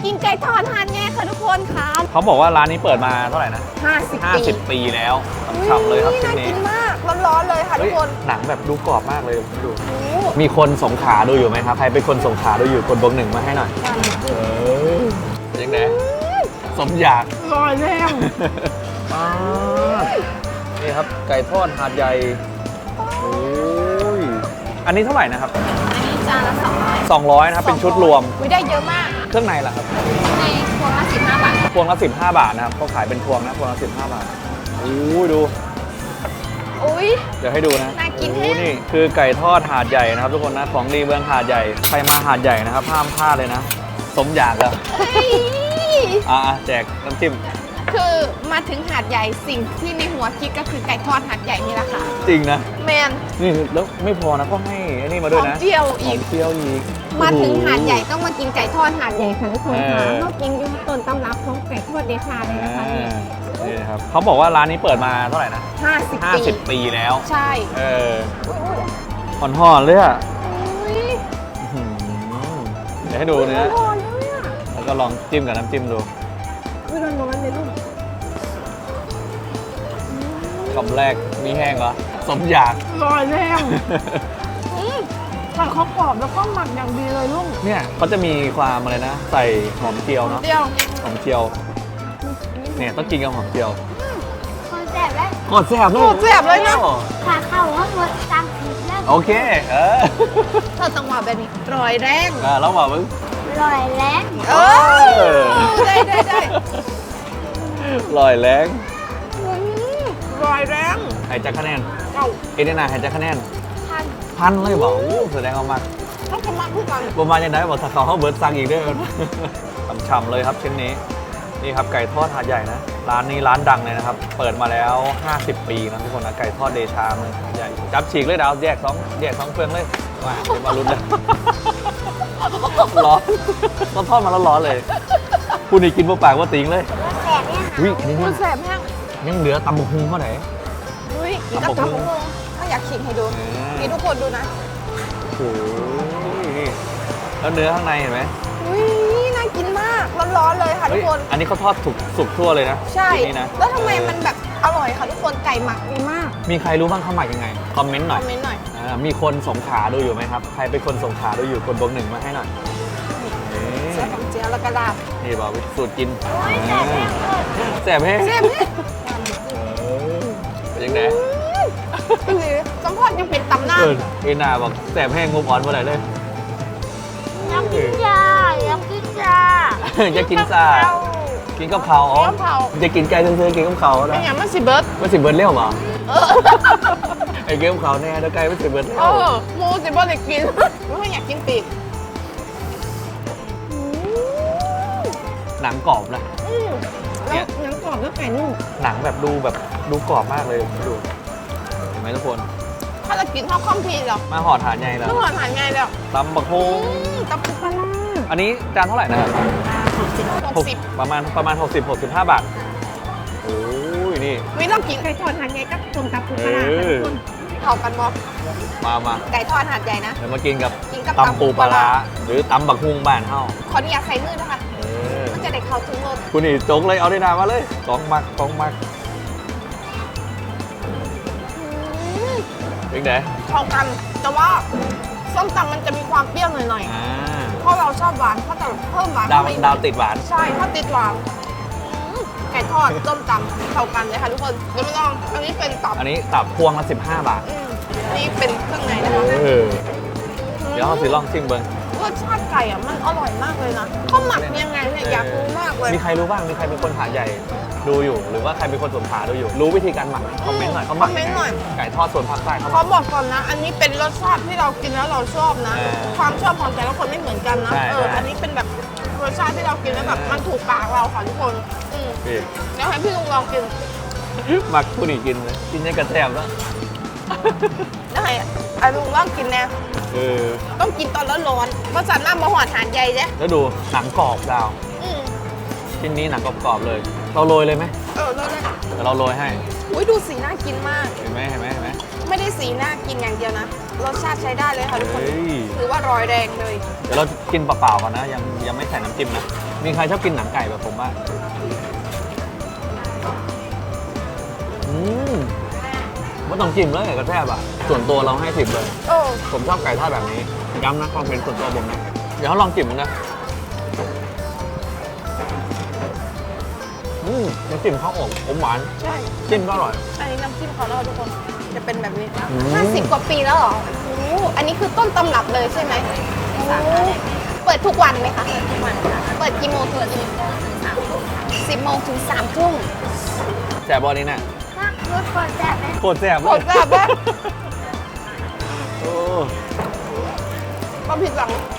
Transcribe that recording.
กินไก่ทอดหาดใหญ่ค่ะทุกคนค่ะเขาบอกว่าร้านนี้เปิดมาเท่าไหร่นะ 50 ปีปีแล้วฉ่ำเลยครับชิ้นนี้น่ากินมากร้อนๆเลยค่ะทุกคนหนังแบบดูกรอบมากเลยดูมีคนสงขลาดูอยู่ไหมครับใครเป็นคนสงขลาดูอยู่กดบวกหนึ่งมาให้หน่อยยังไงสมอยากลอยแรงนี่ครับไก่ทอดหาดใหญ่โอ้ยอันนี้เท่าไหร่นะครับอันนี้จานละ 200นะครับเป็นชุดรวมได้เยอะมากเครื่องในล่ะครับในพวงละ15 บาทพวงละ15 บาทนะครับเขาขายเป็นพวงนะพวงละ15 บาทโอ้ยดูอุ้ยเดี๋ยวให้ดูนะน่ากินแฮะนี่คือไก่ทอดหาดใหญ่นะครับทุกคนนะของดีเมืองหาดใหญ่ใครมาหาดใหญ่นะครับห้ามพลาดเลยนะสมอยากแล้วแจกน้ำจิ้มคือมาถึงหาดใหญ่สิ่งที่ในหัวคิดก็คือไก่ทอดหาดใหญ่นี่แหละค่ะจริงนะแมนนี่แล้วไม่พอนะก็ให้อันนี้มาด้วยนะหอมเจียวอีกหอมเจียวอีกมาถึงหาดใหญ่ต้องมากินไก่ทอดหาดใหญ่ค่ะทุกคนค่ะเออเรากินอยู่ต้นตำรับของไก่ทอดเดชาเลยนะคะนี่นี่นะครับเขาบอกว่าร้านนี้เปิดมาเท่าไหร่นะ 50 ปีแล้วใช่ห่อนๆเลยอ่ะอุ้ยเดี๋ยวให้ดูเนื้อร้อนเลยอ่ะแล้วก็ลองจิ้มกับน้ำจิ้มดูอุ้ยร้อนๆเลยลูกคำแรกมีแห้งเหรอสมอยากร้อนแรงไก่เขากรอบแล้วก็หมักอย่างดีเลยลูกเนี่ยเขาจะมีความอะไรนะ ใส่หอมเจียวเนาะเดียวหอมเจียวเนี่ยต้องกินกับหอมเจียวคนแสบแล้วกดแซ่บเลยโคตรแซ่บเลยนะขาเข้าว่าหมดตามผิดแล้วโอเคเธอต้องมาแบบนี้ร้อยแรงแล้วมามึงลอยแรงได้ลอยแรงร้อยแรงหายใจคะแนนเอ้าเอเดนาหายใจคะแนนพัน 1,000เลยบอกแสดงเอามากต้องทำมาพูดกันประมาณยังไงบอกถ้าเขาเบิร์ดสั่งอีกเด้อ ฉ่ำๆเลยครับชิ้นนี้นี่ครับไก่ทอดหาดใหญ่นะร้านนี้ร้านดังเลยนะครับเปิดมาแล้ว 50 ปีนะทุกคนนะไก่ทอดเดชาเมืองหาดใหญ่จับฉีกเลยดาวแยกสองเฟืองเลยมาเดี๋ยวมาลุ้นเลย ร้อนต้นทอดมาแล้วร้อนเลยคุณนี่กินเปล่าๆว่าติงเลยแสบเนี่ยอุ้ยอันนี้คุยัณงแสบแห้งยังเหลือตำบักหุ่งเขาไหนอุ้ยกินกับตำบักหุ่งถ้าอยากชิมให้ดูนี่ทุกคนดูนะโอ้ยแล้วเนื้อข้างในเห็นไหมอุ้ยน่ากินมากร้อนๆเลยค่ะทุกคนอันนี้เขาทอดสุกทั่วเลยนะใช่ที่นี่นะแล้วทำไมมันแบบอร่อยค่ะทุกคนไก่หมักดีมากมีใครรู้บ้างเขาหมักยังไงคอมเมนต์หคน่ออยมเมนต์หน่อยมีคนสงขลาดูอยู่ไหมครับใครเป็นคนสงขลาดูอยู่กดบวกหนึ่งมาให้หน่อยใส่หอมเจียวแล้วก็ลาบนี่บอกสูตรกินแสบแน่เลยแสบแห้งแซ่บเนี่ยเป็นยังไงคือสัมพอดยังเป็นตำนานเอนาบอกแสบแห้งงบอ่อนเมื่อไหร่เลยอยากกินยาอยากกินยาจะกินซ่ากินกับเขาอ๋อกับเขาจะกินไก่ซื้อๆกินกับเขาเป็นะนอย่างมันสิเบิร์ดไม่สิเบิร์ดเลี้ยวเหรอไอ้เกมเขาแน่แล้วไก่ไม่สิเบิร์ดเลี้ยวหมูสิเบิร์ดได้กินไม่อยากกินปีกหนังกรอบนะแล้วหนังกรอบแล้วไก่นุ่มหนังแบบดูกรอบมากเลยดูเห็นไหมทุกคนถ้าเรากินข้าวข้อมพีเหรอมาห่อฐานใหญ่แล้วต้องหอนหานไงแล้วตำบักฮงตำปูปลาร้าอันนี้จานเท่าไหร่นะครับ 60 ประมาณ65 บาทโอ้ยนี่วิต้องกินไก่ทอดหาดใหญ่กับต้มตำปูปลาร้าเออเข้ากันบ่มาไก่ทอดหาดใหญ่นะเดี๋ยวมากินกับกินกับตำปูปลาร้าหรือตำบักฮุงบ้านเฮาขออนุญาตใส่มือนะคะเออมันจะได้เข้าถึงรสคุณนี่จกเลยเอาได้นามาเลยกองมักเป็นไงเข้ากันแต่ว่าส้มตำมันจะมีความเปรี้ยวหน่อยอ่าๆเพราะเราชอบหวานเขาจะเพิ่มหวานดาวเข้ไปอีกดาวติดหวานใช่ถ้าติดหวานไก่ทอดส้มตำเข้ากันเลยค่ะทุกคนเดี๋ยวมาลองอันนี้เป็นตับอันนี้ตับพวงละ15 บาทนี่เป็นเครื่องในนะคะเดี๋ยวเขาสิลองชิมเบิ้งรสชาติไก่อ่ะมันอร่อยมากเลยนะเขาหมักยังไงเนี่ยอยากรู้มากเลยมีใครรู้บ้างมีใครเป็นคนหาดใหญ่ดูอยู่ หรือว่าใครเป็นคนสงขลาดูอยู่ รู้วิธีการหมักไหมคอมเมนต์หน่อยเขาหมักคอมเมนต์หน่อยไก่ทอดส่วนภาคใต้เขาหเขามักบอกก่อนนะ อันนี้เป็นรสชาติที่เรากินแล้วเราชอบนะเออความชอบของแต่ละคนไม่เหมือนกันนะใช่ใช่อันนี้เป็นแบบรสชาติที่เรากินแล้วแบบมันถูกปากเราค่ะทุกคนพี่เดี๋ยวให้พี่ลุงลองกินหมักผู้นี่กินเลยกินยังกระแทบแล้วได้ให้ลุงลองกินแน่เออต้องกินตอนร้อนๆเพราะสันหน้ามาหอดหานใหญ่เจ้แล้วดูหนังกรอบดาวอืมชิ้นนี้หนังกรอบๆเลย เราโรยเลยไหมแล้วนะเดี๋ยวเราโรยให้อุ้ยดูสีน่ากินมากเห็นไหมไม่ได้สีน่ากินอย่างเดียวนะ รสชาติใช้ได้เลยค่ะทุกคนเฮ้ยถือว่าร้อยแรงเลยเดี๋ยวเรากินเปล่าๆก่อนนะ ยังไม่ใส่น้ำจิ้มนะ มีใครชอบกินหนังไก่แบบผมบ้างไม่ต้องจิ้มเลยกระแทบอ่ะ ส่วนตัวเราให้10เลยโอ้ผมชอบไก่ทอดแบบนี้ย้ำนะความเป็นส่วนตัวผมนะเดี๋ยวเขาลองจิ้มมันนะน้ำจิ้มข้าวอบอมหวานใช่จิ้มก็อร่อยอันนี้น้ำจิ้มเขาแล้วทุกคน จะเป็นแบบนี้อืม 50 กว่าปีแล้วเหรอโอ้โหอันนี้คือต้นตำรับเลยใช่ไหมโอ้เปิดทุกวันไหมคะ ทุกวันค่ะ เปิดกี่โมงถึงกี่โมง10 โมงถึง 3 ทุ่มแซ่บบอนี่น่ะถ้าพูดคนแซ่บไหมโคตรแซ่บโคตรแซ่บปะโอ้ก็ผิดหวัง